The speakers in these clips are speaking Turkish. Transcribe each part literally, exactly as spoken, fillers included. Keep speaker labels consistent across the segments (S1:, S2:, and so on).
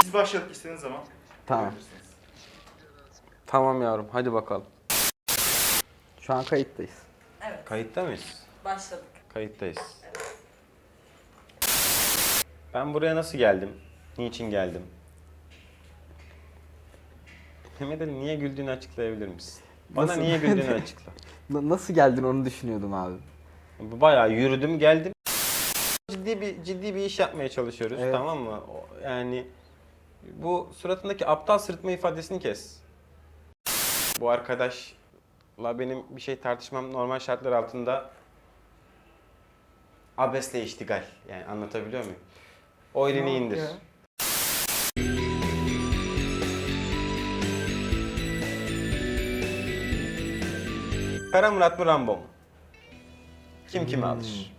S1: Biz başladık, istediğiniz zaman.
S2: Tamam. Tamam yavrum, hadi bakalım. Şu an kayıttayız.
S3: Evet.
S2: Kayıtta mıyız?
S3: Başladık.
S2: Kayıttayız. Ben buraya nasıl geldim? Niçin geldim? Mehmet Ali, niye güldüğünü açıklayabilir misin? Bana
S4: Nasıl?
S2: niye güldüğünü açıkla.
S4: Na- Nasıl geldin onu düşünüyordum abi.
S2: Bayağı yürüdüm geldim. Ciddi bir ciddi bir iş yapmaya çalışıyoruz,
S4: Evet.
S2: tamam mı? O- Yani bu suratındaki aptal sırıtma ifadesini kes. Bu arkadaşla benim bir şey tartışmam normal şartlar altında abesle iştigal. Yani anlatabiliyor muyum? O elini indir.
S4: Ya.
S2: Kara Murat mı, Rambo mu? Kim kimi
S4: Hmm.
S2: alır?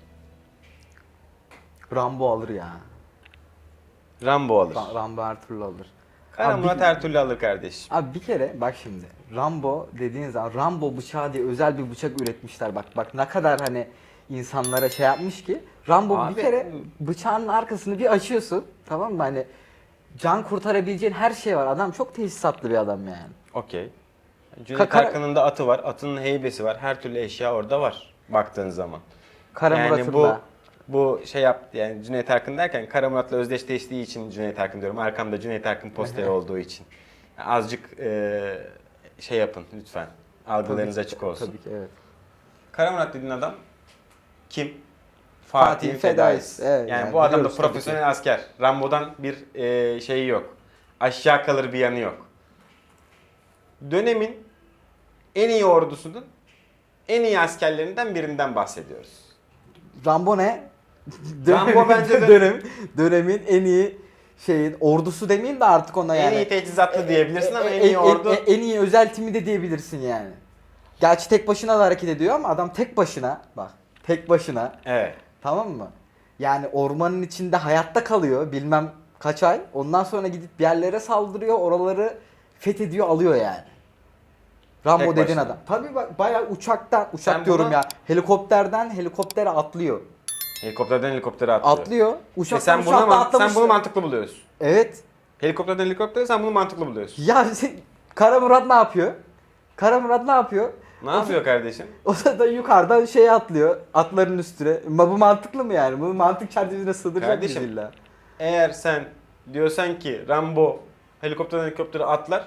S4: Rambo alır ya.
S2: Rambo alır.
S4: Ra- Rambo her türlü alır.
S2: Kara
S4: Abi
S2: Murat
S4: bir-
S2: her türlü alır kardeşim.
S4: Abi bir kere bak şimdi. Rambo dediğin zaman Rambo bıçağı diye özel bir bıçak üretmişler. Bak bak ne kadar hani insanlara şey yapmış ki. Rambo
S2: Abi-
S4: bir kere bıçağın arkasını bir açıyorsun. Tamam mı? Hani can kurtarabileceğin her şey var. Adam çok tesisatlı bir adam yani.
S2: Okey. Cüneyt
S4: kara-
S2: Arkın'ın da atı var, atının heybesi var. Her türlü eşya orada var baktığın zaman.
S4: Kara
S2: yani
S4: Murat'ın
S2: bu
S4: da.
S2: bu şey yap yani Cüneyt Arkın derken Kara Murat'la özdeşleştiği için Cüneyt Arkın diyorum. Arkamda Cüneyt Arkın posteri olduğu için. Yani azıcık e, şey yapın lütfen. Algılarınız
S4: Tabii-
S2: açık olsun.
S4: Tabii ki evet.
S2: Kara Murat dediğin adam kim?
S4: Fatih
S2: Fatih'in
S4: Fedais.
S2: fedaisi.
S4: Evet,
S2: yani,
S4: yani
S2: bu adam da
S4: biliyoruz tabii
S2: profesyonel asker. Rambo'dan bir e, şeyi yok. Aşağı kalır bir yanı yok. Dönemin en iyi ordusunun en iyi askerlerinden birinden bahsediyoruz.
S4: Rambo ne?
S2: Rambo bence de-
S4: dönem, dönemin en iyi şeyin ordusu demeyeyim de artık ona yani.
S2: En iyi teçhizatlı diyebilirsin ama
S4: E-
S2: en
S4: e-
S2: iyi
S4: e-
S2: ordu...
S4: e- en iyi özel timi de diyebilirsin yani. Gerçi tek başına da hareket ediyor ama adam tek başına bak tek başına
S2: Evet.
S4: tamam mı? Yani ormanın içinde hayatta kalıyor bilmem kaç ay. Ondan sonra gidip bir yerlere saldırıyor, oraları fethediyor, alıyor yani. Rambo
S2: Tek
S4: dediğin
S2: başına.
S4: adam. Tabii bak bayağı uçaktan, uçak
S2: Sen
S4: diyorum
S2: buna-
S4: ya. Helikopterden helikoptere atlıyor.
S2: Helikopterden helikoptere atlıyor.
S4: Atlıyor.
S2: E
S4: Uçaktan
S2: sen, buna,
S4: uçakla
S2: man- sen
S4: atlamıştı.
S2: bunu mantıklı buluyorsun.
S4: Evet.
S2: Helikopterden helikoptere sen bunu mantıklı buluyorsun.
S4: Ya sen- Kara Murat ne yapıyor? Kara Murat ne yapıyor?
S2: Ne yapıyor kardeşim?
S4: O da yukarıdan şeye atlıyor. Atların üstüne. Ma bu mantıklı mı yani? Bu mantık çerçevesine sığdıracak mıyız
S2: Kardeşim,
S4: illa?
S2: Eğer sen diyorsan ki Rambo helikopterden helikoptere atlar,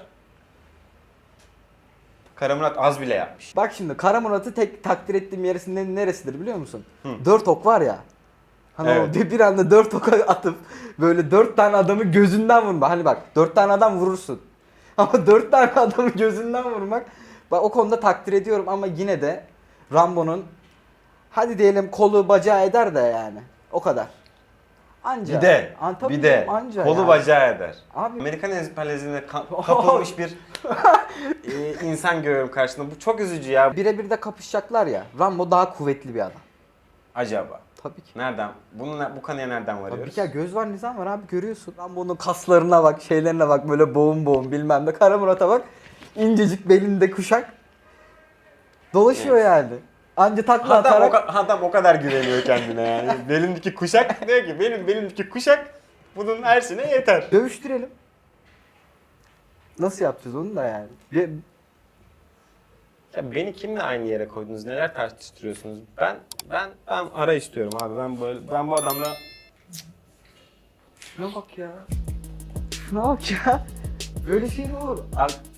S2: Kara Murat az bile yapmış.
S4: Bak şimdi Kara Murat'ı tek takdir ettiğim yerinde neresidir biliyor musun? Dört ok var ya. Hani
S2: Evet.
S4: o bir, bir anda dört oka atıp böyle dört tane adamı gözünden vurma. Hani bak dört tane adam vurursun. Ama dört tane adamı gözünden vurmak. Bak o konuda takdir ediyorum ama yine de Rambo'nun hadi diyelim kolu bacağı eder de yani. O kadar. Anca.
S2: Bir de,
S4: An- tabii
S2: bir de
S4: canım, anca
S2: kolu
S4: yani.
S2: bacağı eder.
S4: Abi
S2: Amerikan emperyalizmine ka- kapılmış bir e, insan görüyorum karşında. Bu çok üzücü ya.
S4: birebir de kapışacaklar ya. Rambo daha kuvvetli bir adam.
S2: Acaba.
S4: Tabii ki.
S2: Nereden? Bunu, bu kanıya nereden
S4: Tabii
S2: varıyoruz?
S4: ki ya göz var nizam var abi görüyorsun. Rambo'nun kaslarına bak, şeylerine bak böyle boğum boğum bilmem ne. Kara Murat'a bak. İncecik belinde kuşak. Dolaşıyor
S2: Evet.
S4: yani. Anca takla
S2: Adam o,
S4: atarak.
S2: ka- adam o kadar güveniyor kendine yani. Belimdeki kuşak diyor ki benim belimdeki kuşak bunun ersine yeter.
S4: Dövüştürelim. Nasıl yapacağız onu da yani. Bir-
S2: Ya beni kimle aynı yere koydunuz? Neler tartıştırıyorsunuz? Ben ben ben ara istiyorum abi. Ben böyle ben bu adamla
S4: Şuna bak ya. Şuna bak ya. Böyle şey mi olur?
S2: Abi,